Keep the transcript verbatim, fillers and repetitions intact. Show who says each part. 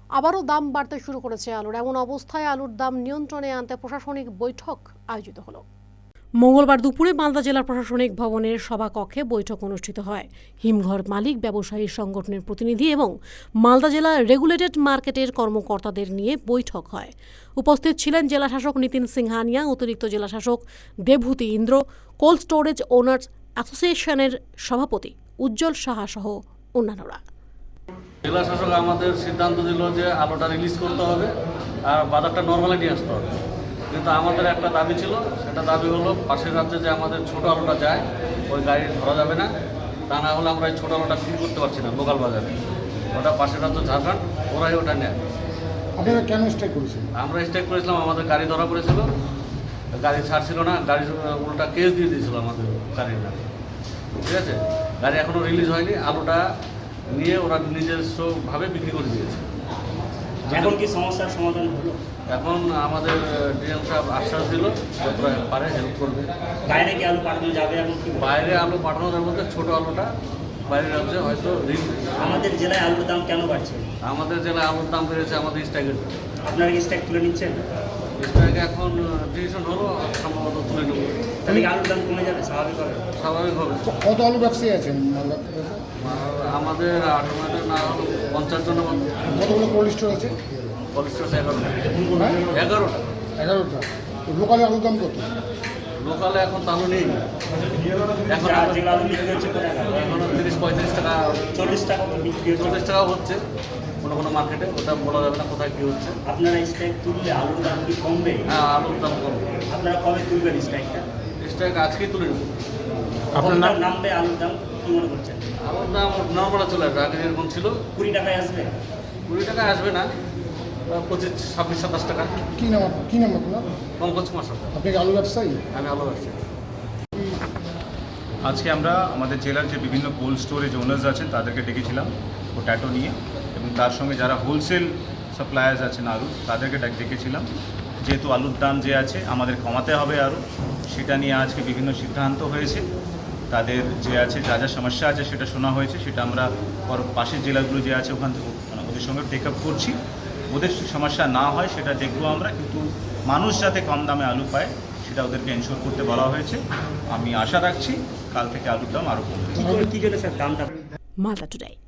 Speaker 1: আবারও দাম বাড়তে শুরু করেছে আলুর। এমন অবস্থায় আলুর দাম নিয়ন্ত্রণে আনতে প্রশাসনিক বৈঠক আয়োজিত হলো। মঙ্গলবার দুপুরে মালদা জেলা প্রশাসনিক ভবনের সভাকক্ষে বৈঠক অনুষ্ঠিত হয়। হিমঘর মালিক ব্যবসায়ী সংগঠনের প্রতিনিধি এবং মালদা জেলা রেগুলেটেড মার্কেটের কর্মকর্তাদের নিয়ে বৈঠক হয়। উপস্থিত ছিলেন জেলাশাসক নিতিন সিংহানিয়া, অতিরিক্ত জেলাশাসক Debbhuti Indra, cold storage owners অ্যাসোসিয়েশনের সভাপতি উজ্জ্বল সাহা সহ অন্যান্যরা।
Speaker 2: জেলা শাসক আমাদের সিদ্ধান্ত দিল যে আলুটা রিলিজ করতে হবে আর বাজারটা নর্মালি নিয়ে আসতে হবে, কিন্তু আমাদের একটা দাবি ছিল, সেটা দাবি হলো পাশের রাজ্যে যে আমাদের ছোট আলুটা যায় ওই গাড়ি ধরা যাবে না, তা না হলে আমরা এই ছোটো আলুটা ফিল করতে পারছি না লোকাল বাজারে। ওটা পাশের রাজ্য ঝাড়খণ্ড, ওরাই ওটা নেয়।
Speaker 3: আপনারা কেন স্ট্রাইক করেছেন?
Speaker 2: আমরা স্ট্রাইক করেছিলাম, আমাদের গাড়ি ধরা পড়েছিল, গাড়ি ছাড়ছিল না, গাড়ি উল্টা কেস দিয়ে দিয়েছিল আমাদের গাড়ির না, ঠিক আছে। গাড়ি এখনও রিলিজ হয়নি, আলুটা নিয়ে ওরা নিজস্বভাবে বিক্রি করে দিয়েছে।
Speaker 4: এখন কি সমস্যার সমাধান হলো?
Speaker 2: এখন আমাদের ডিএম সাহেব আশ্বাস দিল যতটা পারে হেল্প করবে।
Speaker 4: বাইরে কি আলু পাঠানো যাবে? এখন কি
Speaker 2: বাইরে আলু পাঠানোর মধ্যে ছোটো আলুটা বাইরের রাজ্যে হয়তো ঋণ।
Speaker 4: আমাদের জেলায় আলুর দাম কেন বাড়ছে?
Speaker 2: আমাদের জেলায় আলুর দাম বেড়েছে আমাদের স্ট্রাইকের।
Speaker 4: আপনারা কি স্ট্রাইক তুলে নিচ্ছেন?
Speaker 2: স্ট্রাইকে এখন ডিসিশন হলো, সম্ভবত তুলে নেব।
Speaker 4: তাহলে কি আলুর দাম কমে যাবে স্বাভাবিক হবে?
Speaker 2: স্বাভাবিক হবে।
Speaker 3: কত আলু ব্যবসায়ী আছেন মালদা?
Speaker 2: আমাদের আটমাদের না হলো পঞ্চাশ জন মতো।
Speaker 3: কতগুলো কোল্ড স্টোর আছে?
Speaker 2: কোল্ড স্টোর এগারোটা
Speaker 3: হ্যাঁ
Speaker 2: এগারোটা
Speaker 3: এগারোটা। লোকালে আলুর দাম কত?
Speaker 2: লোকালে এখন তালু নেই, এখন
Speaker 4: যা- যেগুলো আলু বিক্রি হচ্ছে কোথায়?
Speaker 2: এখন তিরিশ পঁয়ত্রিশ টাকা
Speaker 4: চল্লিশ টাকা মতো বিক্রি হচ্ছে।
Speaker 2: চল্লিশ টাকাও হচ্ছে কোনো কোনো মার্কেটে, ওটা বলা যাবে না কোথায় কী হচ্ছে।
Speaker 4: আপনারা স্ট্রাইক তুললে আলুর দাম কি কমবে?
Speaker 2: হ্যাঁ, আলুর দাম কমবে।
Speaker 4: আপনারা কবে তুলবেন স্ট্রাইকটা?
Speaker 2: স্ট্রাইক আজকেই তুলে নেব।
Speaker 4: আপনার নাম নামবে আলুর দাম কি মনে করছেন?
Speaker 2: আলুর দাম নর্মালে চলে আসবে, আগে যেরকম ছিল
Speaker 4: কুড়ি টাকায় আসবে?
Speaker 2: কুড়ি টাকায় আসবে না, পঁচিশ ছাব্বিশ সাতাশ টাকা।
Speaker 3: কি নাম আপ- কি নাম আপনার?
Speaker 2: পঙ্কজ কুমার সরকার,
Speaker 3: আপনি কি আলু ব্যবসায়ী?
Speaker 2: আমি আলু ব্যবসায়ী।
Speaker 5: আজকে আমরা আমাদের জেলার যে বিভিন্ন কোল্ড স্টোরেজ ওনার্স আছেন তাদেরকে ডেকেছিলাম পোট্যাটো নিয়ে, এবং তার সঙ্গে যারা হোলসেল সাপ্লায়ার্স আছেন আলু তাদেরকে ডাক ডেকেছিলাম। যেহেতু আলুর দাম যে আছে আমাদের কমাতে হবে আরও, সেটা নিয়ে আজকে বিভিন্ন সিদ্ধান্ত হয়েছে। তাদের যে আছে যা যা সমস্যা আছে সেটা শোনা হয়েছে, সেটা আমরা পর পাশের জেলাগুলো যে আছে ওখান থেকে মানে ওদের সঙ্গে টেক আপ করছি। ওদের সমস্যা না হয় সেটা দেখবো আমরা, কিন্তু মানুষ যাতে কম দামে আলু পায় সেটা ওদেরকে এনশোর করতে বলা হয়েছে। আমি আশা রাখছি কাল থেকে আলুর দাম আরও কমবে।
Speaker 4: কি করে কি জন্য স্যার দামটা?
Speaker 1: মালদা টুডে।